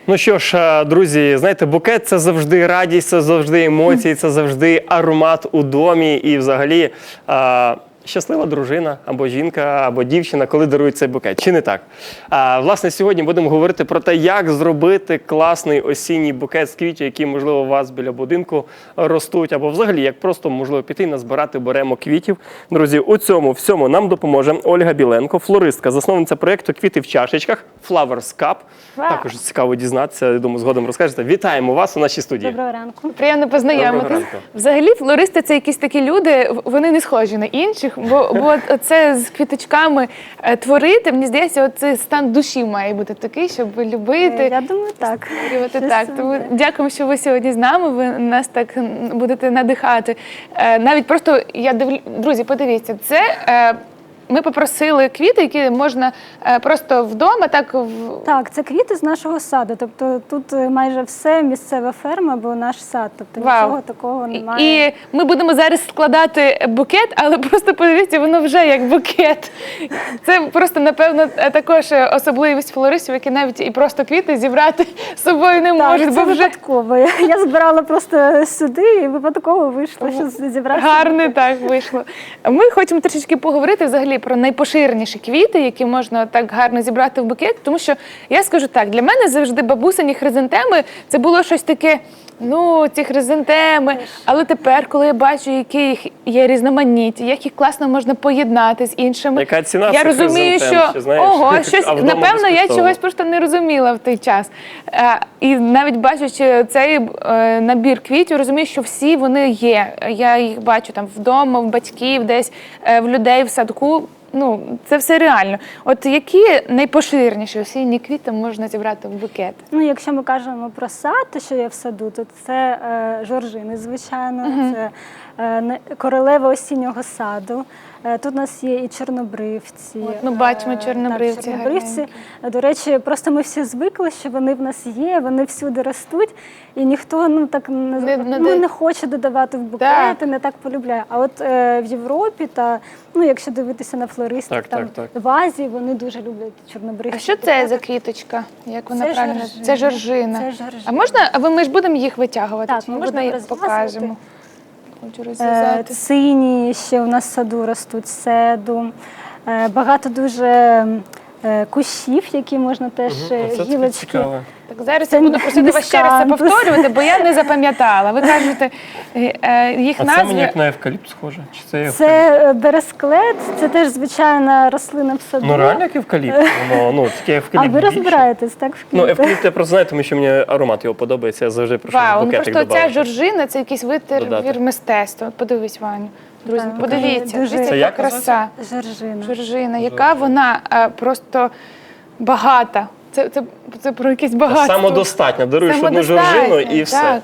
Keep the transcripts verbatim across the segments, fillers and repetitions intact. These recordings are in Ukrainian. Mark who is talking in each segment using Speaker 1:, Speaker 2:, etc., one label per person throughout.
Speaker 1: Ну що ж, друзі, знаєте, букет – це завжди радість, це завжди емоції, це завжди аромат у домі і взагалі а, щаслива дружина або жінка, або дівчина, коли дарують цей букет. Чи не так? А, власне, сьогодні будемо говорити про те, як зробити класний осінній букет з квітів, які, можливо, у вас біля будинку ростуть, або взагалі, як просто, можливо, піти назбирати беремо квітів. Друзі, у цьому всьому нам допоможе Ольга Біленко, флористка, засновниця проєкту «Квіти в чашечках» Flowers Cup.
Speaker 2: Вау.
Speaker 1: Також цікаво дізнатися, я думаю, згодом розкажете. Вітаємо вас у нашій студії.
Speaker 2: Доброго ранку.
Speaker 3: Приємно
Speaker 1: Доброго
Speaker 3: познайомитись.
Speaker 1: ранку.
Speaker 3: Взагалі, флористи – це якісь такі люди, вони не схожі на інших, бо, бо це з квіточками е, творити, мені здається, оцей стан душі має бути такий, щоб любити.
Speaker 2: Я думаю, так.
Speaker 3: створювати.
Speaker 2: Щось
Speaker 3: Так,
Speaker 2: саме
Speaker 3: тому
Speaker 2: те.
Speaker 3: дякуємо, що ви сьогодні з нами, ви нас так м, будете надихати. Е, навіть просто, я дивлю, друзі, подивіться, це... Е, ми попросили квіти, які можна е, просто вдома, так в...
Speaker 2: Так, це квіти з нашого саду. Тобто тут е, майже все місцева ферма, бо наш сад. Тобто
Speaker 3: Вау.
Speaker 2: нічого такого немає.
Speaker 3: І ми будемо зараз складати букет, але просто подивіться, воно вже як букет. Це просто, напевно, також особливість флористів, які навіть і просто квіти зібрати з собою не
Speaker 2: Так,
Speaker 3: можуть,
Speaker 2: це
Speaker 3: бо вже
Speaker 2: випадково. Я, я збирала просто сюди і випадково вийшло, що зібрати.
Speaker 3: гарне так вийшло. Ми хочемо трішечки поговорити взагалі про найпоширеніші квіти, які можна так гарно зібрати в букет, тому що, я скажу так, для мене завжди бабусині хризантеми – це було щось таке, ну, ці хризантеми, але тепер, коли я бачу, які їх є різноманіття, як їх класно можна поєднати з іншими,
Speaker 1: Яка ціна
Speaker 3: я
Speaker 1: цих
Speaker 3: розумію,
Speaker 1: хризантем,
Speaker 3: що,
Speaker 1: ще знаєш?
Speaker 3: ого, щось,
Speaker 1: А вдома
Speaker 3: напевно, я
Speaker 1: безкоштовно.
Speaker 3: чогось просто не розуміла в той час. Е, І навіть бачачи цей е, набір квітів, розумію, що всі вони є. Я їх бачу там вдома, в батьків, десь, е, в людей в садку. Ну, це все реально. От які найпоширеніші осінні квіти можна зібрати в букет?
Speaker 2: Ну, якщо ми кажемо про сад, те, що є в саду, то це е, жоржини, звичайно, це е, не- королева осіннього саду. Е, тут у нас є і чорнобривці.
Speaker 3: От ми бачимо
Speaker 2: Е,
Speaker 3: чорнобривці
Speaker 2: Так, чорнобривці.
Speaker 3: гарненькі.
Speaker 2: До речі, просто ми всі звикли, що вони в нас є, вони всюди ростуть, і ніхто ну так не,
Speaker 3: Не- не
Speaker 2: ну,
Speaker 3: де-
Speaker 2: не хоче додавати в букети,
Speaker 3: Так.
Speaker 2: не так полюбляє. А от е, в Європі та ну, якщо дивитися на флористів,
Speaker 1: Так,
Speaker 2: там
Speaker 1: так, так.
Speaker 2: в Азії вони дуже люблять чорнобривці.
Speaker 3: А що це за квіточка? Як вона
Speaker 2: Це
Speaker 3: правильно?
Speaker 2: жоржина.
Speaker 3: Це жоржина.
Speaker 2: Це жоржина.
Speaker 3: А можна, а ви ми ж будемо їх витягувати?
Speaker 2: Так,
Speaker 3: Чи
Speaker 2: ми
Speaker 3: можна
Speaker 2: будемо
Speaker 3: їх
Speaker 2: розв'язувати.
Speaker 3: покажемо? Хочу
Speaker 2: Е,
Speaker 3: розв'язати.
Speaker 2: Сині ще у нас в саду ростуть седу. Е, Багато дуже е, кущів, які можна теж е,
Speaker 1: Оце таке
Speaker 2: гілочки.
Speaker 1: цікаве.
Speaker 3: Так, зараз
Speaker 2: Це
Speaker 3: я буду просити вас ще раз це
Speaker 2: міскантус.
Speaker 3: повторювати, бо я не запам'ятала. Ви кажете, е, е, їх
Speaker 1: А це мені
Speaker 3: назви.
Speaker 1: як на евкаліпт схоже? Чи це евкаліпт?
Speaker 2: Це е, бересклет, це теж звичайна рослина в саду.
Speaker 1: Ну реально як евкаліпт? Воно, ну, таке
Speaker 2: А
Speaker 1: евкаліпт
Speaker 2: ви
Speaker 1: більше.
Speaker 2: розбираєтесь, так, в
Speaker 1: Ну,
Speaker 2: квітах?
Speaker 1: евкаліпт я просто знаю, тому що мені аромат його подобається, я завжди прошу
Speaker 3: Вау, ну
Speaker 1: букетик
Speaker 3: просто ця
Speaker 1: додати.
Speaker 3: жоржина, це якийсь витвір
Speaker 1: Додати.
Speaker 3: мистецтва. От подивись, Ваню. Друзі,
Speaker 2: Так,
Speaker 3: подивіться,
Speaker 2: дуже-
Speaker 3: дивіться,
Speaker 1: Це
Speaker 3: яка
Speaker 1: як
Speaker 3: краса.
Speaker 2: Жоржина.
Speaker 3: Жоржина, яка вона е, просто багата. Це, це, це про якесь багатство.
Speaker 1: Самодостатня. Даруєш одну
Speaker 3: Самодостатня,
Speaker 1: жоржину і все.
Speaker 3: Так.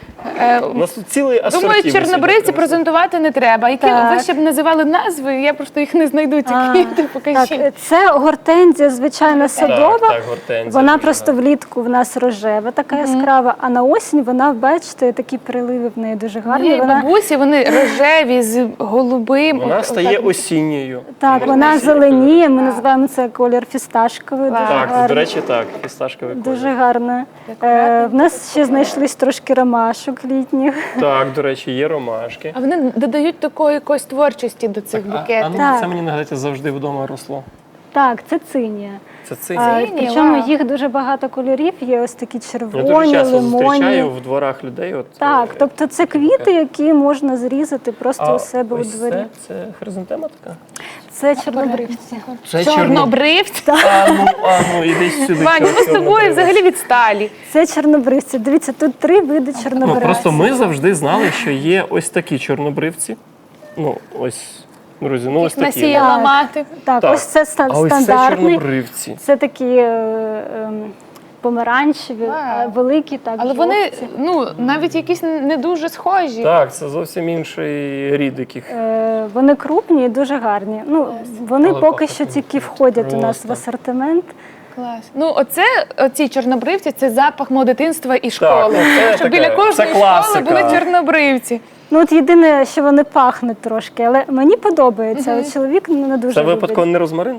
Speaker 3: Е,
Speaker 1: У нас тут цілий асортимент.
Speaker 3: Думаю,
Speaker 1: сьогодні
Speaker 3: чорнобривці
Speaker 1: принесли.
Speaker 3: презентувати не треба. Які
Speaker 2: Так.
Speaker 3: ви ще б називали назви, я просто їх не знайду, ці
Speaker 2: А,
Speaker 3: квіти, покажіть.
Speaker 2: Так, це гортензія, звичайна садова.
Speaker 1: Так, так, гортензія.
Speaker 2: Вона
Speaker 1: дуже
Speaker 2: просто
Speaker 1: гарна.
Speaker 2: влітку в нас рожева, така яскрава, а на осінь вона, бачите, такі приливи в неї дуже гарні.
Speaker 3: Моєї
Speaker 2: Вона,
Speaker 3: бабусі, вони рожеві з голубим.
Speaker 1: Вона
Speaker 3: От-
Speaker 1: стає
Speaker 3: отак.
Speaker 1: осінньою.
Speaker 2: так,
Speaker 1: Можна
Speaker 2: вона
Speaker 1: осінньою
Speaker 2: зеленіє, ми
Speaker 3: Так.
Speaker 2: називаємо це колір фісташковий,
Speaker 3: Вау.
Speaker 2: дуже
Speaker 1: Так,
Speaker 2: гарний.
Speaker 1: до речі, так, фісташковий колір.
Speaker 2: Дуже гарна.
Speaker 3: Акуратненько.
Speaker 2: Е, в нас ще знайшлись трошки ромашок літніх.
Speaker 1: Так, до речі, є ромашки.
Speaker 3: А вони додають такої якоїсь творчості до цих
Speaker 1: А, а
Speaker 3: букетів.
Speaker 1: ну,
Speaker 2: Так.
Speaker 1: це мені нагадайте завжди вдома росло.
Speaker 2: Так, це цинія.
Speaker 1: Це цей.
Speaker 2: А,
Speaker 3: Цинія,
Speaker 2: причому
Speaker 3: вау.
Speaker 2: їх дуже багато кольорів, є ось такі
Speaker 1: Я дуже
Speaker 2: червоні,
Speaker 1: часто
Speaker 2: лимонні.
Speaker 1: зустрічаю в дворах людей. От,
Speaker 2: Так,
Speaker 1: е,
Speaker 2: тобто це квіти, які можна зрізати просто
Speaker 1: а
Speaker 2: у себе у
Speaker 1: ось
Speaker 2: дворі.
Speaker 1: Це, це хризантема така?
Speaker 2: Це чорнобривці.
Speaker 1: Це
Speaker 3: Чорнобривці.
Speaker 1: А ну, а ну, іди сюди.
Speaker 3: Ваня, ми з тобою
Speaker 1: чорнобривець.
Speaker 3: взагалі відсталі.
Speaker 2: Це чорнобривці. Дивіться, тут три види
Speaker 1: Ну,
Speaker 2: чорнобривців.
Speaker 1: просто ми завжди знали, що є ось такі чорнобривці. Ну, ось, друзі, ну ось такі.
Speaker 3: Насіяла
Speaker 2: Так.
Speaker 3: мати.
Speaker 2: Так,
Speaker 1: Так.
Speaker 2: ось це ста-
Speaker 1: А ось це
Speaker 2: стандартний.
Speaker 1: чорнобривці.
Speaker 2: Це такі е, ем, помаранчеві,
Speaker 3: Вау.
Speaker 2: е, великі, так,
Speaker 3: Але вони,
Speaker 2: жовті.
Speaker 3: ну, навіть якісь не дуже схожі.
Speaker 1: Так, це зовсім інший рід яких.
Speaker 2: Е, Вони крупні і дуже гарні. Ну, вони
Speaker 1: Але
Speaker 2: поки
Speaker 1: пахнуть
Speaker 2: що тільки входять у нас
Speaker 1: просто.
Speaker 2: в асортимент.
Speaker 3: Клас. Ну, оце, оці чорнобривці, це запах мого дитинства і школи.
Speaker 1: ну, це
Speaker 3: Щоб
Speaker 1: таке,
Speaker 3: біля кожної
Speaker 1: це
Speaker 3: школи
Speaker 1: класика.
Speaker 3: були чорнобривці.
Speaker 2: Ну, от єдине, що вони пахнуть трошки, але мені подобається. От чоловік не дуже
Speaker 1: Це
Speaker 2: любить.
Speaker 1: випадково не розмарин?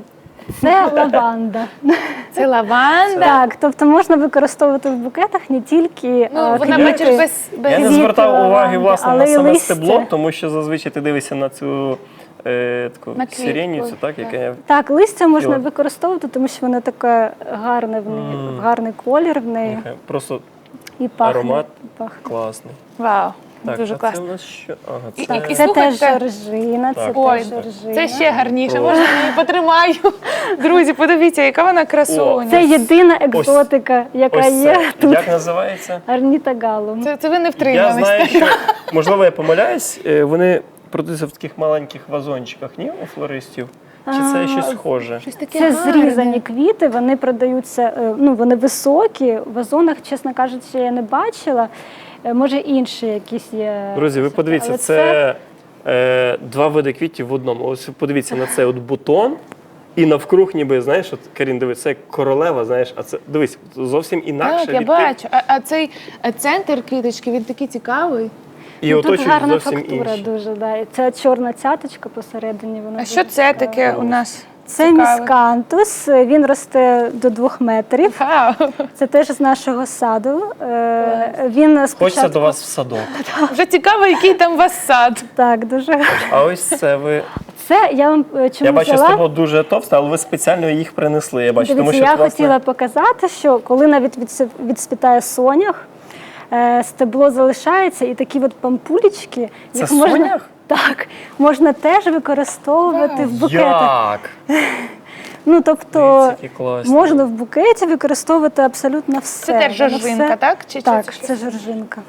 Speaker 2: Це лаванда.
Speaker 3: Це лаванда.
Speaker 2: Так, тобто можна використовувати в букетах не тільки
Speaker 3: Ну,
Speaker 2: е,
Speaker 3: вона
Speaker 2: квіти,
Speaker 3: бачиш без, без...
Speaker 1: Я не
Speaker 2: Квіти
Speaker 1: звертав уваги,
Speaker 2: лаванди,
Speaker 1: власне,
Speaker 2: але
Speaker 1: на
Speaker 2: й
Speaker 1: саме
Speaker 2: листя.
Speaker 1: стебло, тому що зазвичай ти дивишся на цю е, таку
Speaker 3: На квітку,
Speaker 1: сиреніцю, так,
Speaker 3: так.
Speaker 1: яка
Speaker 2: Так, листя можна
Speaker 1: Йо.
Speaker 2: використовувати, тому що воно таке гарне в неї,
Speaker 1: Мм.
Speaker 2: гарний колір в неї
Speaker 1: яка просто
Speaker 2: і пахне.
Speaker 1: аромат
Speaker 2: пахне.
Speaker 1: класний.
Speaker 3: Вау,
Speaker 1: Так,
Speaker 3: дуже
Speaker 1: а це
Speaker 3: класно.
Speaker 1: у нас що? Ага,
Speaker 3: І-
Speaker 1: це...
Speaker 3: і-
Speaker 2: Це
Speaker 3: слухайте.
Speaker 2: теж жоржина, це
Speaker 1: Так.
Speaker 3: Ой,
Speaker 2: теж жоржина.
Speaker 3: це ще гарніше,
Speaker 1: Про-
Speaker 3: можна я її потримаю. Друзі, подивіться, яка вона красуня.
Speaker 2: Це єдина екзотика, яка
Speaker 1: Ось
Speaker 2: є
Speaker 1: це.
Speaker 2: тут.
Speaker 1: Як називається?
Speaker 2: Орнітогалум.
Speaker 3: Це, це ви не
Speaker 1: Я
Speaker 3: втримались.
Speaker 1: знаю, що, можливо, я помиляюсь, е, вони продаються в таких маленьких вазончиках, ні, у флористів? Чи це
Speaker 2: А,
Speaker 1: щось схоже?
Speaker 3: Щось таке
Speaker 2: Це
Speaker 3: гарне.
Speaker 2: зрізані квіти, вони продаються, е, ну вони високі. В вазонах, чесно кажучи, я не бачила. Е, Може інші якісь є.
Speaker 1: Друзі, ви подивіться,
Speaker 2: Але
Speaker 1: це е, два види квітів в одному. Ось подивіться на цей от бутон, і навкруг ніби, знаєш, от, Карін, дивись, це як королева, знаєш, а це, дивись, зовсім інакше.
Speaker 3: Так, я
Speaker 1: від тих.
Speaker 3: бачу. А, а цей е, центр квіточки, він такий цікавий.
Speaker 1: І
Speaker 2: Ну, тут
Speaker 1: оточують
Speaker 2: гарна
Speaker 1: зовсім
Speaker 2: фактура
Speaker 1: інші.
Speaker 2: дуже. Да. І ця чорна цяточка посередині. Вона
Speaker 3: А
Speaker 2: дуже
Speaker 3: що це
Speaker 2: цікава.
Speaker 3: таке у нас?
Speaker 2: Це
Speaker 3: цікаве?
Speaker 2: міскантус, він росте до двох метрів.
Speaker 3: Вау.
Speaker 2: Це теж з нашого саду. Е, Він
Speaker 1: Хочеться
Speaker 2: спочатку...
Speaker 1: до вас в садок.
Speaker 3: Вже цікаво, який там у вас сад.
Speaker 2: Так, дуже гарно.
Speaker 1: А ось це ви.
Speaker 2: Це я вам е, чому
Speaker 1: Я бачу,
Speaker 2: взяла?
Speaker 1: стебло дуже товсте, але ви спеціально їх принесли. Я бачу,
Speaker 2: Дивіться,
Speaker 1: тому що
Speaker 2: я
Speaker 1: власне,
Speaker 2: хотіла показати, що коли навіть відсі- відспітає сонях, е, стебло залишається, і такі от пампулечки,
Speaker 1: Це
Speaker 2: їх можна,
Speaker 1: сонях?
Speaker 2: так, можна теж використовувати
Speaker 3: Вау.
Speaker 2: в букетах.
Speaker 1: Як?
Speaker 2: Ну, тобто
Speaker 1: Дивіться, які класні.
Speaker 2: можна в букеті використовувати абсолютно все.
Speaker 3: Це теж
Speaker 2: Воно
Speaker 3: жоржинка,
Speaker 2: все-
Speaker 3: так? Чи, чи
Speaker 2: Так,
Speaker 3: це щось?
Speaker 2: це жоржинка.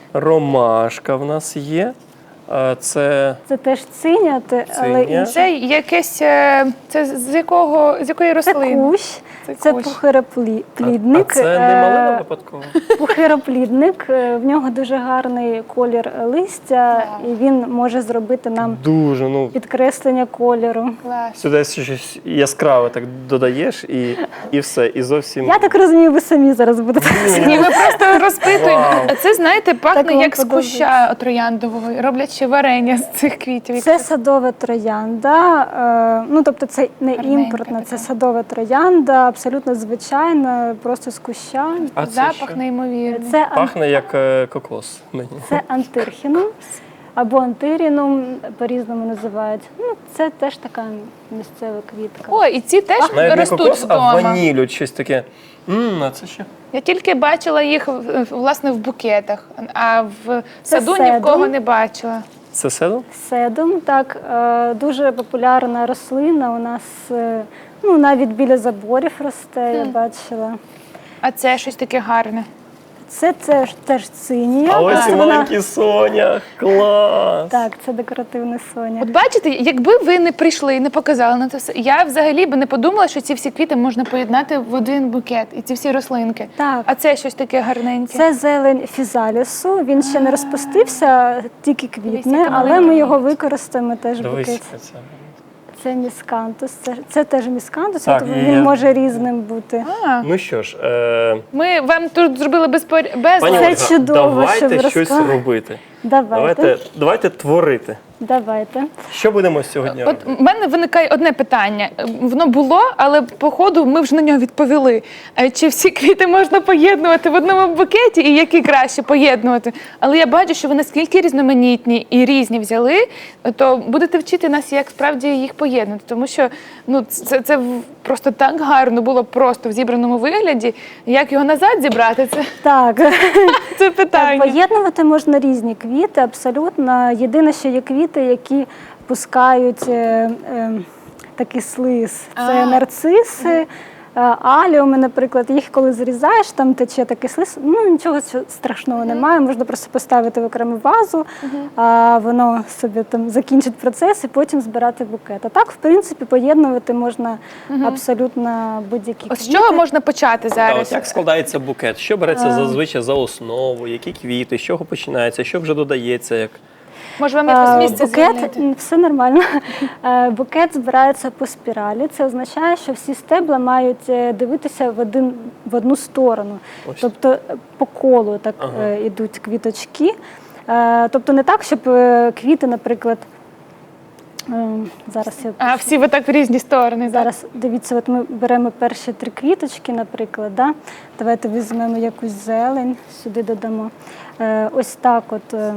Speaker 1: Ромашка в нас є. А це
Speaker 2: Це теж циня, те- але
Speaker 1: Циня.
Speaker 2: інше.
Speaker 3: Це якесь. е, Це з якого з якої
Speaker 2: Це
Speaker 3: рослини?
Speaker 2: кущ,
Speaker 3: Це
Speaker 2: це
Speaker 3: кущ.
Speaker 1: а,
Speaker 2: пухироплідник.
Speaker 1: а це не
Speaker 2: Е,
Speaker 1: малина випадково.
Speaker 2: Пухироплідник, е, в нього дуже гарний колір листя,
Speaker 3: Вау.
Speaker 2: і він може зробити нам
Speaker 1: Дуже, ну
Speaker 2: підкреслення кольору.
Speaker 3: Клас.
Speaker 1: сюди щось яскраве так додаєш і, і все. І зовсім
Speaker 2: Я так розумію, ви самі зараз будете.
Speaker 3: Ні, ми просто розпитуємо.
Speaker 1: Вау.
Speaker 3: А це, знаєте, пахне
Speaker 2: Так вам
Speaker 3: як з
Speaker 2: подобається.
Speaker 3: куща трояндового. Роблять ще варення з цих квітів.
Speaker 2: Це садова троянда, е, ну тобто це не
Speaker 3: Гарненька
Speaker 2: імпортна, це
Speaker 3: така.
Speaker 2: садова троянда, абсолютно звичайна, просто з куща.
Speaker 1: А це
Speaker 3: Запах
Speaker 1: що?
Speaker 3: неймовірний.
Speaker 2: Це, ан-
Speaker 1: Пахне як е, кокос мені.
Speaker 2: це антирхінум або антирінум, по-різному називають. Ну, це теж така місцева квітка.
Speaker 3: О, і ці теж
Speaker 1: Навіть не
Speaker 3: ростуть
Speaker 1: кокос, а
Speaker 3: вдома.
Speaker 1: ваніль, от щось таке. М, а це що?
Speaker 3: Я тільки бачила їх в- власне в букетах, а в
Speaker 2: Це
Speaker 3: саду ні в кого
Speaker 2: седум.
Speaker 3: не бачила.
Speaker 1: Це седум?
Speaker 2: Седум, так, е, дуже популярна рослина. У нас е, ну, навіть біля заборів росте, я бачила.
Speaker 3: А це щось таке гарне.
Speaker 2: Це теж, теж цинія.
Speaker 1: А ось
Speaker 2: просто
Speaker 1: і
Speaker 2: вона-
Speaker 1: маленький соня. Клас!
Speaker 2: Так, це декоративний соня.
Speaker 3: От бачите, якби ви не прийшли і не показали на це все, я взагалі би не подумала, що ці всі квіти можна поєднати в один букет, і ці всі рослинки.
Speaker 2: Так.
Speaker 3: А це щось таке гарненьке.
Speaker 2: Це зелень фізалісу, він ще не розпустився, тільки квітне,
Speaker 3: яка
Speaker 2: але
Speaker 3: маленька.
Speaker 2: ми його використаємо теж в
Speaker 1: Дивись,
Speaker 2: букеті.
Speaker 1: яка це.
Speaker 2: Це міскантус, це, це теж міскантус,
Speaker 1: Так,
Speaker 2: тобто
Speaker 1: і
Speaker 2: він
Speaker 1: я-
Speaker 2: може різним бути.
Speaker 3: А,
Speaker 1: Ну що ж, е,
Speaker 3: ми вам тут зробили безпор... без
Speaker 1: пані
Speaker 2: Це
Speaker 1: Ольга,
Speaker 2: чудово, що
Speaker 1: давайте
Speaker 2: ви
Speaker 1: щось
Speaker 2: розказали.
Speaker 1: робити.
Speaker 2: Давайте,
Speaker 1: Давайте,
Speaker 2: давайте.
Speaker 1: давайте творити. Що будемо сьогодні
Speaker 3: От
Speaker 1: робити?
Speaker 3: в мене виникає одне питання. Воно було, але по ходу ми вже на нього відповіли. Е, Чи всі квіти можна поєднувати в одному букеті і які краще поєднувати? Але я бачу, що ви наскільки різноманітні і різні взяли, то будете вчити нас, як справді їх поєднати. Тому що ну, це, це в- просто так гарно було просто в зібраному вигляді. Як його назад зібрати, це,
Speaker 2: Так.
Speaker 3: це
Speaker 2: Так,
Speaker 3: питання.
Speaker 2: поєднувати можна різні квіти, абсолютно. Єдине, що є квіти, які пускають е, е, такий слиз. Це
Speaker 3: А.
Speaker 2: нарциси, е, аліуми, наприклад. Їх коли зрізаєш, там тече такий слиз. Ну, нічого цього страшного немає. Можна просто поставити в окрему вазу, а воно собі там закінчить процес і потім збирати букет. А так, в принципі, поєднувати можна абсолютно будь-які
Speaker 3: Ось з
Speaker 2: квіти.
Speaker 3: чого можна почати
Speaker 1: А
Speaker 3: зараз?
Speaker 1: ось як складається букет? Що береться зазвичай за основу? Які квіти? З чого починається? Що вже додається? Як?
Speaker 3: Може вам якось
Speaker 2: Е,
Speaker 3: місце
Speaker 2: Букет,
Speaker 3: звільнити?
Speaker 2: м, все нормально. Е, Букет збирається по спіралі. Це означає, що всі стебла мають е, дивитися в один в одну сторону.
Speaker 1: Ось.
Speaker 2: Тобто е, по колу так
Speaker 1: Ага.
Speaker 2: е, ідуть квіточки. Е, Тобто не так, щоб е, квіти, наприклад, Е, Зараз я
Speaker 3: А всі ви так в різні сторони. Зараз.
Speaker 2: Зараз дивіться, от ми беремо перші три квіточки, наприклад. Да? Давайте візьмемо якусь зелень, сюди додамо. Е, ось так от. Е,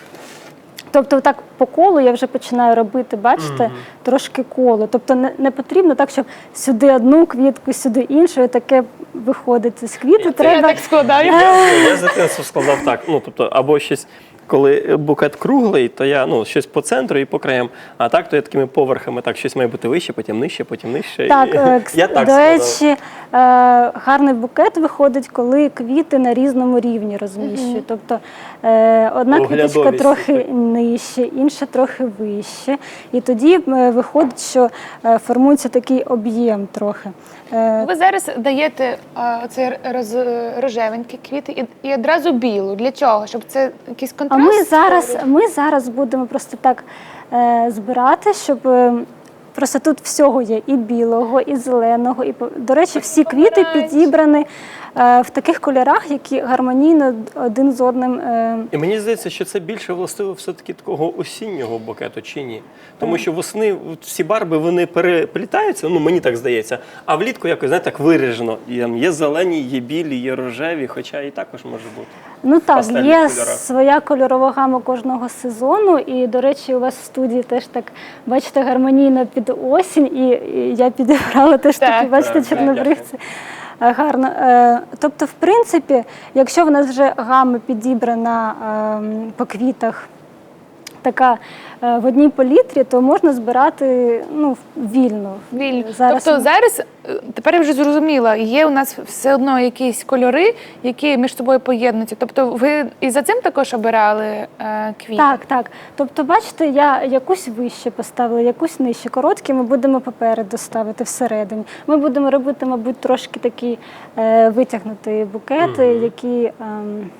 Speaker 2: тобто так по колу я вже починаю робити, бачите, mm-hmm. трошки коло. Тобто не, не потрібно так, щоб сюди одну квітку, сюди іншу, і таке виходить з квіти.
Speaker 1: Я,
Speaker 2: Треба...
Speaker 3: Я так складаю.
Speaker 1: Я, я з дитинства складав так, ну, тобто, або щось, коли букет круглий, то я, ну, щось по центру і по краям, а так, то я такими поверхами, так, щось має бути вище, потім нижче, потім нижче.
Speaker 2: Так,
Speaker 1: і,
Speaker 2: е,
Speaker 1: я так
Speaker 2: до
Speaker 1: складав.
Speaker 2: речі, е, гарний букет виходить, коли квіти на різному рівні розміщують. Mm-hmm. Тобто е, одна квіточка
Speaker 1: Оглядовість.
Speaker 2: трохи нижче, інша трохи вище. І тоді е, виходить, що е, формується такий об'єм трохи. Е,
Speaker 3: Ви зараз даєте а, оцей роз, рожевенькі квіти і, і одразу білу. Для чого? Щоб це якийсь
Speaker 2: а
Speaker 3: контраст?
Speaker 2: ми зараз,
Speaker 3: створював?
Speaker 2: ми зараз будемо просто так е, збирати, щоб... Е, Просто тут всього є і білого, і зеленого, і до речі, всі квіти підібрані е, в таких кольорах, які гармонійно один з одним. Е...
Speaker 1: І мені здається, що це більше властиво все-таки такого осіннього букету, чи ні? Тому що восени всі барви, вони переплітаються, ну мені так здається, а влітку якось, знаєте, так виражено. Є зелені, є білі, є рожеві, хоча і також може бути.
Speaker 2: Ну так,
Speaker 1: Пастельних
Speaker 2: є
Speaker 1: кольорах.
Speaker 2: своя кольорова гама кожного сезону, і, до речі, у вас в студії теж так, бачите, гармонійно під осінь, і, і я підібрала теж
Speaker 3: Так.
Speaker 2: такі, бачите,
Speaker 1: Так,
Speaker 2: чорнобривці. Е, Гарно. Е, Тобто, в принципі, якщо в нас вже гама підібрана ем, по квітах, така е, в одній палітрі, то можна збирати ну, вільно.
Speaker 3: Вільно.
Speaker 2: Зараз
Speaker 3: Тобто
Speaker 2: ми-
Speaker 3: зараз, е, тепер я вже зрозуміла, є у нас все одно якісь кольори, які між собою поєднуються. Тобто ви і за цим також обирали е, квіти?
Speaker 2: Так, так. Тобто, бачите, я якусь вище поставила, якусь нижче. Короткі ми будемо попереду ставити всередині. Ми будемо робити, мабуть, трошки такі е, витягнуті букети,
Speaker 1: Мгм.
Speaker 2: які... ем,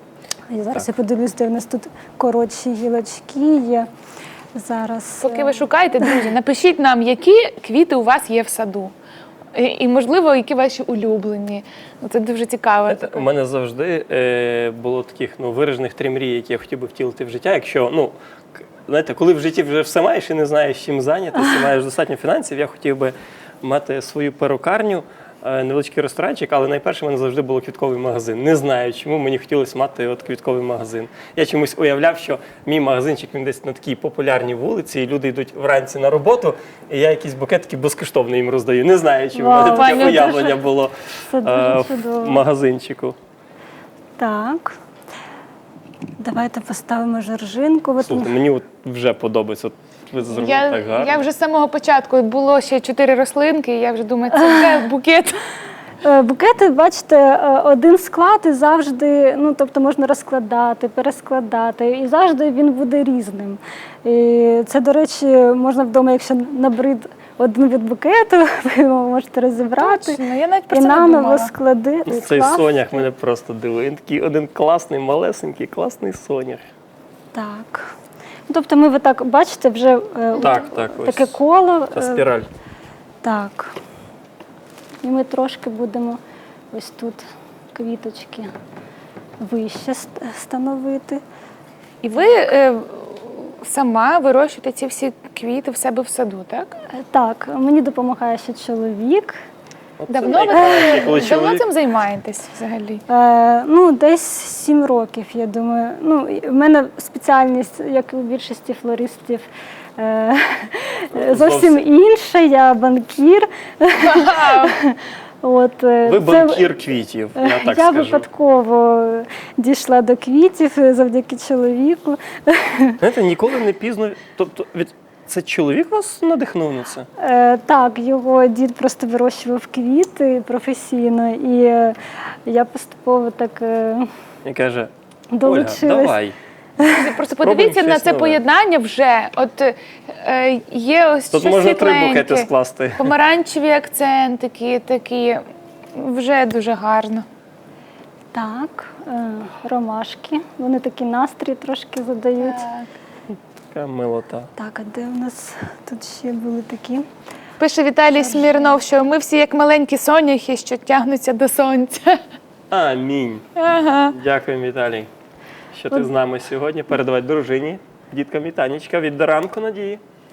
Speaker 2: я зараз
Speaker 1: Так.
Speaker 2: я подивлюсь, де в нас тут коротші гілочки є. Зараз.
Speaker 3: Поки
Speaker 2: е,
Speaker 3: ви шукаєте, друзі, напишіть нам, які квіти у вас є в саду. І, і можливо, які ваші улюблені. Ну, це дуже цікаво.
Speaker 1: Знаєте, у мене завжди е, було таких ну, виражених три мрії, які я хотів би втілити в життя. Якщо, ну, к- знаєте, коли в житті вже все маєш і не знаєш, чим зайнятися, маєш достатньо фінансів, я хотів би мати свою перукарню, е, невеличкий ресторанчик, але найперше в мене завжди було квітковий магазин. Не знаю, чому мені хотілося мати от квітковий магазин. Я чомусь уявляв, що мій магазинчик він десь на такій популярній вулиці, і люди йдуть вранці на роботу, і я якісь букетики безкоштовно їм роздаю. Не знаю, чому в мене
Speaker 2: Вау,
Speaker 1: таке
Speaker 3: Ваня,
Speaker 1: уявлення було
Speaker 2: Це дуже
Speaker 1: е,
Speaker 2: чудово.
Speaker 1: в магазинчику.
Speaker 2: Так. Давайте поставимо жоржинку. От
Speaker 1: Слухайте, мені от вже подобається. От ви зробили
Speaker 3: Я,
Speaker 1: так гарно.
Speaker 3: я вже з самого початку було ще чотири рослинки, і я вже думаю, це вже букет.
Speaker 2: Е, Букети, бачите, е, один склад і завжди, ну тобто можна розкладати, перескладати, і завжди він буде різним. І це, до речі, можна вдома, якщо набрид один від букету, ви його можете розібрати
Speaker 3: Точно, я навіть про
Speaker 2: і
Speaker 3: це не
Speaker 2: наново
Speaker 3: думала.
Speaker 2: склади.
Speaker 1: Ну, Цей
Speaker 2: скласти.
Speaker 1: сонях мене просто дивує. Він такий один класний, малесенький, класний сонях.
Speaker 2: Так. Ну, тобто ми ви так бачите вже е,
Speaker 1: Так, так, ось.
Speaker 2: таке коло.
Speaker 1: Та
Speaker 2: е,
Speaker 1: спіраль.
Speaker 2: Так. І ми трошки будемо ось тут квіточки вище ст- становити.
Speaker 3: І ви е, сама вирощуєте ці всі квіти в себе в саду, так?
Speaker 2: Е, Так, мені допомагає ще чоловік.
Speaker 1: От це
Speaker 3: Давно ви
Speaker 1: найкраще, коли
Speaker 3: давно
Speaker 1: чоловік-
Speaker 3: цим займаєтесь взагалі?
Speaker 2: Е, ну, десь сім років, я думаю. Ну, і в мене спеціальність, як і у більшості флористів, е, зовсім
Speaker 1: Зовсім.
Speaker 2: інша. Я банкір. От, е,
Speaker 1: Ви
Speaker 2: це-
Speaker 1: банкір квітів, я так
Speaker 2: я
Speaker 1: скажу.
Speaker 2: випадково дійшла до квітів завдяки чоловіку.
Speaker 1: Знаєте, ніколи не пізно. Тобто, від... це чоловік вас надихнув на це?
Speaker 2: Е, Так, його дід просто вирощував квіти професійно, і е, я поступово так е,
Speaker 1: І каже, Ольга,
Speaker 2: долучилась.
Speaker 1: давай.
Speaker 3: Просто
Speaker 1: Спробуємо
Speaker 3: подивіться на
Speaker 1: щось
Speaker 3: це
Speaker 1: нове.
Speaker 3: поєднання вже. От е, є ось
Speaker 1: Тут
Speaker 3: щось
Speaker 1: можна три
Speaker 3: світленьке,
Speaker 1: букети скласти.
Speaker 3: помаранчеві акцентики такі. Вже дуже гарно.
Speaker 2: Так, е, ромашки. Вони такий настрій трошки задають.
Speaker 1: Така милота.
Speaker 2: Так, а де у нас тут ще були такі?
Speaker 3: Пише Віталій Смірнов, що ми всі як маленькі соняхи, що тягнуться до сонця.
Speaker 1: Амінь.
Speaker 3: Ага.
Speaker 1: Дякую, Віталій, що ти з нами сьогодні. Передавай дружині, діткам вітанечка від до ранку, Надії.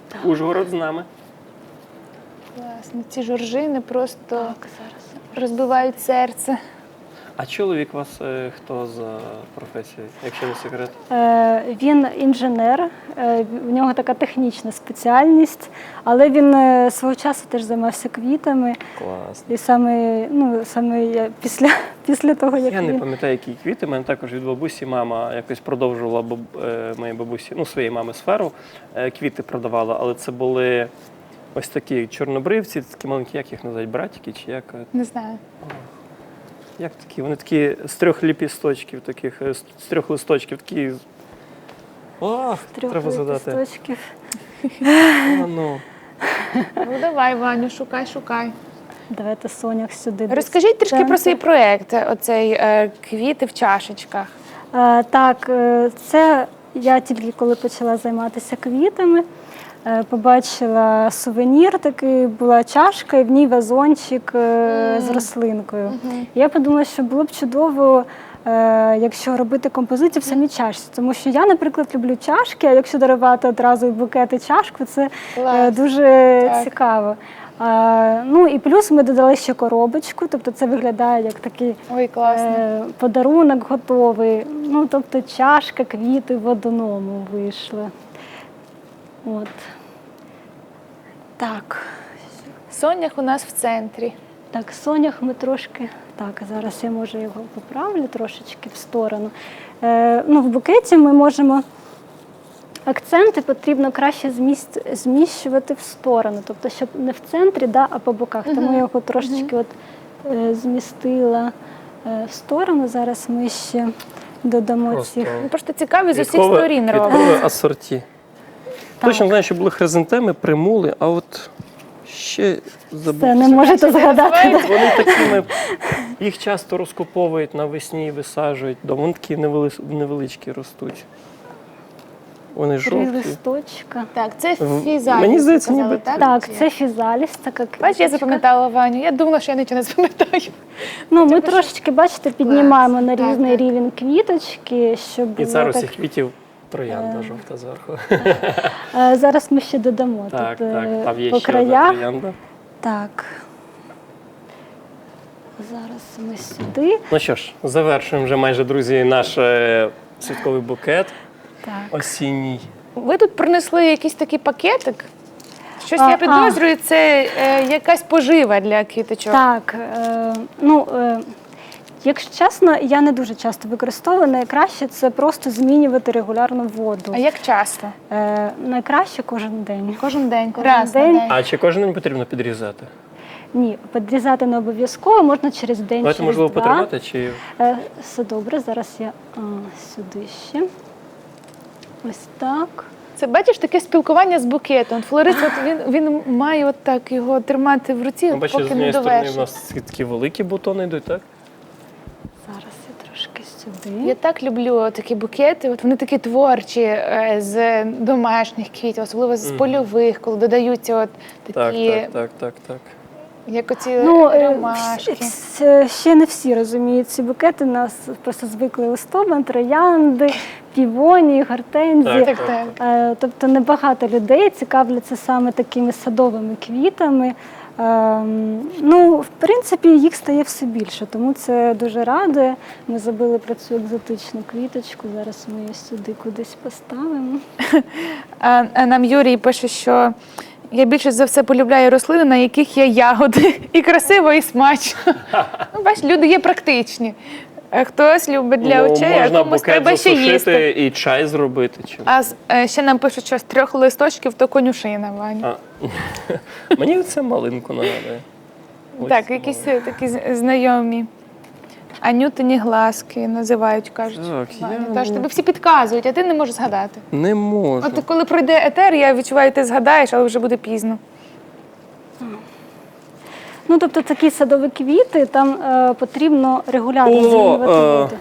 Speaker 1: Ужгород з нами.
Speaker 3: Класно. Ці жоржини просто
Speaker 2: Так, зараз.
Speaker 3: розбивають серце.
Speaker 1: А чоловік у вас е, хто за професією, якщо не секрет?
Speaker 2: Е, Він інженер, е, в нього така технічна спеціальність, але він е, свого часу теж займався квітами.
Speaker 1: Клас.
Speaker 2: І саме, ну, саме я після, після того, як
Speaker 1: Я не
Speaker 2: він...
Speaker 1: пам'ятаю, які квіти. У мене також від бабусі мама якось продовжувала баб... е, моїй бабусі, ну, своєї мами сферу. Е, Квіти продавала, але це були ось такі чорнобривці, такі маленькі, як їх називають, братики чи як? е,
Speaker 3: Не знаю.
Speaker 1: Як такі? Вони такі з трьох ліпісточків, таких, е, з з трьох листочків, такі. Ох,
Speaker 2: Трьох
Speaker 1: треба згадати.
Speaker 2: листочків.
Speaker 1: О, ну.
Speaker 3: Ну давай, Ваню, шукай, шукай.
Speaker 2: Давайте сонях сюди. десь
Speaker 3: Розкажіть трішки
Speaker 2: центр.
Speaker 3: про свій проєкт, оцей е, квіти в чашечках.
Speaker 2: Е, Так, е, це я тільки коли почала займатися квітами, е, побачила сувенір, такий була чашка, і в ній вазончик е, з рослинкою. Я подумала, що було б чудово, е, якщо робити композицію в самій чашці. Тому що я, наприклад, люблю чашки, а якщо дарувати одразу і букет і чашку, це е,
Speaker 3: Клас.
Speaker 2: дуже
Speaker 3: Так.
Speaker 2: цікаво. А, ну і плюс ми додали ще коробочку, тобто це виглядає як такий
Speaker 3: Ой, класно.
Speaker 2: е, подарунок готовий. Ну, тобто чашка, квіти в одному вийшли. От. Так.
Speaker 3: Сонях у нас в центрі.
Speaker 2: Так, сонях ми трошки. Так, зараз я може його поправлю трошечки в сторону. Е, ну, в букеті ми можемо. Акценти потрібно краще зміст, зміщувати в сторону, тобто, щоб не в центрі, да, а по боках. Тому я його трошечки от, е, змістила е, в сторону. Зараз ми ще додамо
Speaker 1: Просто
Speaker 2: цих.
Speaker 3: Ну, просто цікаві з усіх
Speaker 1: Квіткове-
Speaker 3: сторін робимо.
Speaker 1: квіткове асорті. Точно знаю, що були хризантеми, примули, а от ще забув.
Speaker 2: Це не можете згадати. Да?
Speaker 1: Вони такими, їх часто розкуповують навесні і висаджують. Дома. Вони такі невели- невеличкі ростуть. Вони
Speaker 2: Три
Speaker 1: жовті.
Speaker 2: листочка.
Speaker 3: Так, це
Speaker 1: В-
Speaker 3: фізаліс.
Speaker 1: мені здається,
Speaker 3: ви казали,
Speaker 1: ніби
Speaker 3: так?
Speaker 2: Так,
Speaker 3: Чи
Speaker 2: це
Speaker 3: як?
Speaker 2: фізаліс, така
Speaker 3: Бач, я
Speaker 2: квіточка.
Speaker 3: запам'ятала Ваню. Я думала, що я нічого не запам'ятаю.
Speaker 2: Ну, ми
Speaker 3: Це
Speaker 2: трошечки, бачите, піднімаємо на
Speaker 3: Так,
Speaker 2: різний
Speaker 3: так.
Speaker 2: рівень квіточки, щоб
Speaker 1: І
Speaker 2: було
Speaker 1: зараз
Speaker 2: так.
Speaker 1: цих квітів троянда жовта зверху.
Speaker 2: Е, Зараз ми ще додамо
Speaker 1: Так,
Speaker 2: тут е,
Speaker 1: так, там є
Speaker 2: по
Speaker 1: ще одна
Speaker 2: краях.
Speaker 1: троянда.
Speaker 2: Так. Зараз ми сюди.
Speaker 1: Ну що ж, завершуємо вже майже, друзі, наш е, святковий букет
Speaker 2: Так.
Speaker 1: осінній.
Speaker 3: Ви тут принесли якийсь такий пакетик. Щось
Speaker 2: А,
Speaker 3: я підозрюю, це е, якась пожива для квіточок.
Speaker 2: Так, е, ну, е, якщо чесно, я не дуже часто використовую. Найкраще це просто змінювати регулярно воду.
Speaker 3: А як часто?
Speaker 2: Е, найкраще кожен день.
Speaker 3: Кожен день,
Speaker 2: Кожен
Speaker 3: раз
Speaker 2: день.
Speaker 3: на день.
Speaker 1: А чи кожен день потрібно підрізати?
Speaker 2: Ні, підрізати не обов'язково, можна через день,
Speaker 1: Давайте,
Speaker 2: через
Speaker 1: можливо,
Speaker 2: два.
Speaker 1: потримати, чи
Speaker 2: Е, все добре, зараз я а, сюди ще. Ось так.
Speaker 3: Це бачиш таке спілкування з букетом. От флорист, от він, він має от так його тримати в руці,
Speaker 1: ну, бачите, з
Speaker 3: поки не
Speaker 1: однієї сторони в
Speaker 3: довершить.
Speaker 1: нас такі великі бутони йдуть, так?
Speaker 2: Зараз я трошки сюди.
Speaker 3: Я так люблю такі букети. От вони такі творчі е, з домашніх квітів, особливо з
Speaker 1: Мгм.
Speaker 3: польових, коли додаються от
Speaker 1: Так,
Speaker 3: такі,
Speaker 1: так, так, так, так.
Speaker 3: як оці
Speaker 2: Ну, е,
Speaker 3: ромашки.
Speaker 2: вс- е, ще не всі розуміють ці букети. Нас просто звикли листопад, троянди, півонії, гортензії.
Speaker 1: Так,
Speaker 3: Так, так.
Speaker 2: Е, Тобто небагато людей цікавляться саме такими садовими квітами. Ем, Ну, в принципі, їх стає все більше, тому це дуже радує. Ми забули про цю екзотичну квіточку. Зараз ми її сюди кудись поставимо.
Speaker 3: А, а нам Юрій пише, що я більше за все полюбляю рослини, на яких є ягоди. І красиво, і смачно. Ну, бач, люди є практичні. А хтось любить для
Speaker 1: Ну,
Speaker 3: очей, а
Speaker 1: можна
Speaker 3: комусь
Speaker 1: букет
Speaker 3: треба ще їсти.
Speaker 1: засушити і чай зробити. Чи...
Speaker 3: А з- е, ще нам пишуть, що з трьох листочків то конюшина, Ваня.
Speaker 1: А. Мені це малинку нагадує. Ось
Speaker 3: Так,
Speaker 1: це
Speaker 3: якісь
Speaker 1: малинка.
Speaker 3: е, такі з- знайомі. Анютині глазки називають, кажуть.
Speaker 1: Так,
Speaker 3: Ваня.
Speaker 1: я-
Speaker 3: Тож тобі всі підказують, а ти не можеш згадати.
Speaker 1: Не можу.
Speaker 3: От коли пройде етер, я відчуваю, ти згадаєш, але вже буде пізно.
Speaker 2: Ну, тобто такі садові квіти, там е, потрібно регулярно
Speaker 1: О,
Speaker 2: змінювати
Speaker 1: е.
Speaker 2: воду.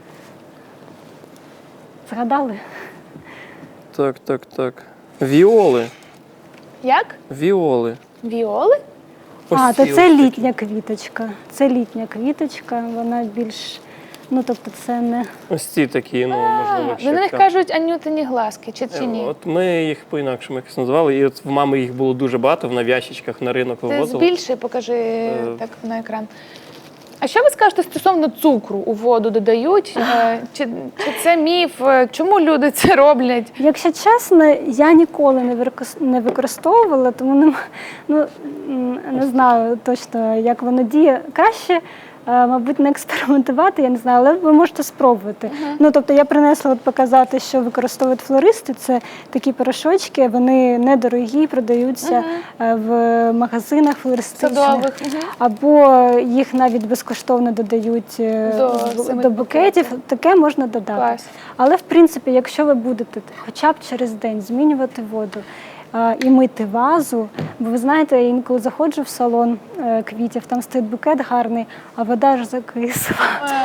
Speaker 2: Згадали?
Speaker 1: Так, так, так. Віоли.
Speaker 3: Як?
Speaker 1: Віоли.
Speaker 3: Віоли?
Speaker 2: А,
Speaker 1: Ось
Speaker 2: то
Speaker 1: ці
Speaker 2: це
Speaker 1: ось такі.
Speaker 2: літня квіточка. Це літня квіточка, вона більш Ну, тобто це не...
Speaker 1: Ось ці такі, ну, можливо,
Speaker 3: Ви на них
Speaker 1: ще
Speaker 3: кажуть анютині глазки, чи, чи ні?
Speaker 1: От ми їх по-інакшому якось називали, і от в мами їх було дуже багато, в ящичках на ринок
Speaker 3: Ти
Speaker 1: вивозили.
Speaker 3: збільши, покажи так на екран. А що ви скажете стосовно цукру у воду додають? Е, Чи, чи це міф? Е, Чому люди це роблять?
Speaker 2: Якщо чесно, я ніколи не використ- не використовувала, тому не, м- ну, м, не знаю точно, як воно діє. Краще, е, мабуть, не експериментувати, я не знаю, але ви можете спробувати. Ну, тобто я принесла от показати, що використовують флористи. Це такі порошочки, вони недорогі, продаються е, в магазинах флористичних.
Speaker 3: Садових. Мгм.
Speaker 2: Або їх навіть безкоштовно додають е,
Speaker 3: До
Speaker 2: в-
Speaker 3: самих
Speaker 2: до букетів.
Speaker 3: букетів.
Speaker 2: Таке можна додати.
Speaker 3: Клас.
Speaker 2: Але в принципі, якщо ви будете хоча б через день змінювати воду а, і мити вазу, бо ви знаєте, я інколи заходжу в салон е, квітів, там стоїть букет гарний, а вода ж закисла.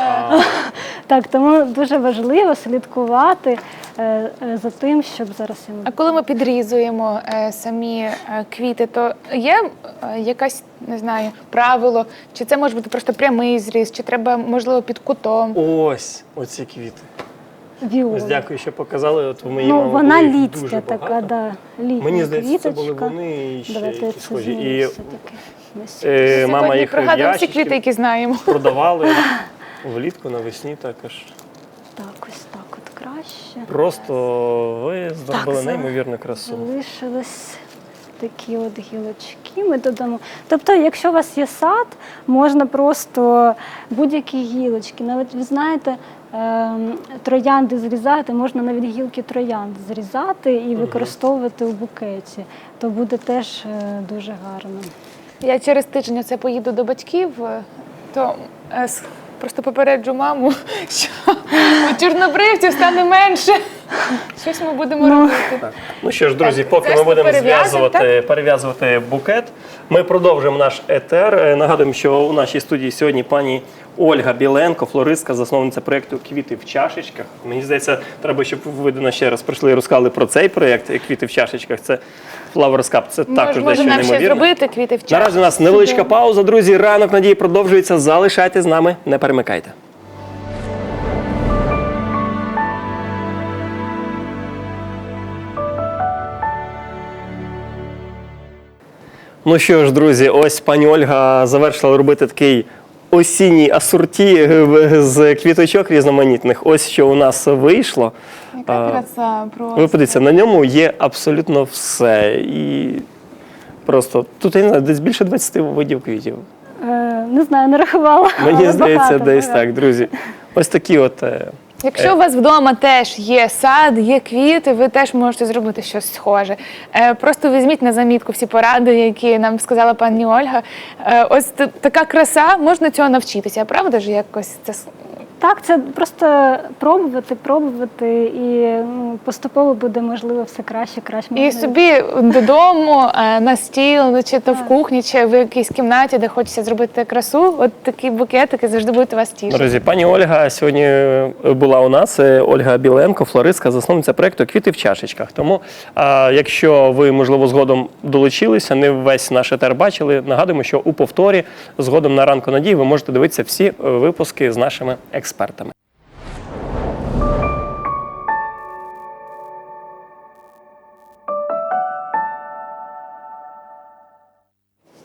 Speaker 2: Так, тому дуже важливо слідкувати е, е, за тим, щоб зараз я
Speaker 3: А коли ми підрізуємо е, самі е, квіти, то є е, якась, не знаю, правило, чи це може бути просто прямий зріз, чи треба, можливо, під кутом?
Speaker 1: Ось, оці квіти.
Speaker 2: віола.
Speaker 1: Ось дякую, що показали. От у моїй
Speaker 2: Ну,
Speaker 1: мами
Speaker 2: вона
Speaker 1: було їх
Speaker 2: літня
Speaker 1: дуже
Speaker 2: така,
Speaker 1: багато.
Speaker 2: да, літня
Speaker 1: Мені здається, це
Speaker 2: квіточка.
Speaker 1: були вони і ще
Speaker 2: Давайте
Speaker 1: якісь
Speaker 2: це
Speaker 1: схожі.
Speaker 2: зміню
Speaker 1: І
Speaker 2: все-таки.
Speaker 1: е, мама
Speaker 3: Сьогодні
Speaker 1: їх в
Speaker 3: пригадуємо всі
Speaker 1: ящички
Speaker 3: квіти, які знаємо.
Speaker 1: продавали влітку, навесні також.
Speaker 2: Так, ось так от краще.
Speaker 1: Просто ви зробили
Speaker 2: за-
Speaker 1: неймовірну красу.
Speaker 2: Залишились такі от гілочки. Ми додамо. Тобто, якщо у вас є сад, можна просто будь-які гілочки. Навіть ви знаєте, ем, троянди зрізати, можна навіть гілки троянд зрізати і використовувати у букеті. То буде теж е, дуже гарно.
Speaker 3: Я через тиждень оце поїду до батьків, е, то е, с- просто попереджу маму, що у чорнобривців стане менше. Щось ми будемо робити.
Speaker 1: Так. Ну що ж, друзі,
Speaker 3: Так,
Speaker 1: поки
Speaker 3: це
Speaker 1: ми
Speaker 3: ж
Speaker 1: будемо
Speaker 3: перев'язуємо,
Speaker 1: зв'язувати, перев'язувати букет, ми продовжуємо наш етер. Е, Нагадуємо, що у нашій студії сьогодні пані Ольга Біленко, флористка, засновниця проєкту «Квіти в чашечках». Мені здається, треба, щоб ви до нас ще раз прийшли і розказали про цей проєкт «Квіти в чашечках». Це Flowers Cup, це також
Speaker 3: Може,
Speaker 1: дещо
Speaker 3: нам ще
Speaker 1: неймовірне.
Speaker 3: зробити квіти в чаші.
Speaker 1: Наразі у нас невеличка пауза, друзі. Ранок надії продовжується. Залишайтесь з нами, не перемикайте. Ну що ж, друзі, ось пані Ольга завершила робити такий осінній асорті з квіточок різноманітних. Ось що у нас вийшло.
Speaker 3: Яка краса просто.
Speaker 1: Ви подивіться, на ньому є абсолютно все. І просто тут, я не знаю, десь більше двадцяти видів квітів.
Speaker 2: Е, не знаю, не рахувала.
Speaker 1: Мені
Speaker 2: але
Speaker 1: здається,
Speaker 2: багато,
Speaker 1: десь
Speaker 2: багато.
Speaker 1: так, друзі. Ось такі от. е,
Speaker 3: Якщо у вас вдома теж є сад, є квіти, ви теж можете зробити щось схоже. Е, Просто візьміть на замітку всі поради, які нам сказала пані Ольга. Е, Ось т- така краса, можна цього навчитися, правда ж якось це с-
Speaker 2: Так, це просто пробувати, пробувати, і ну, поступово буде можливо все краще, краще.
Speaker 3: і
Speaker 2: Можна-
Speaker 3: собі додому, е, на стіл, чи то в кухні, чи в якійсь кімнаті, де хочеться зробити красу. От такі букетики завжди будуть вас тішити.
Speaker 1: Друзі, пані Ольга сьогодні була у нас. Це Ольга Біленко, флористка, засновниця проєкту «Квіти в чашечках». Тому, а, якщо ви, можливо, згодом долучилися, не весь наш етер бачили, нагадуємо, що у повторі згодом на ранку надії ви можете дивитися всі е, випуски з нашими експертами.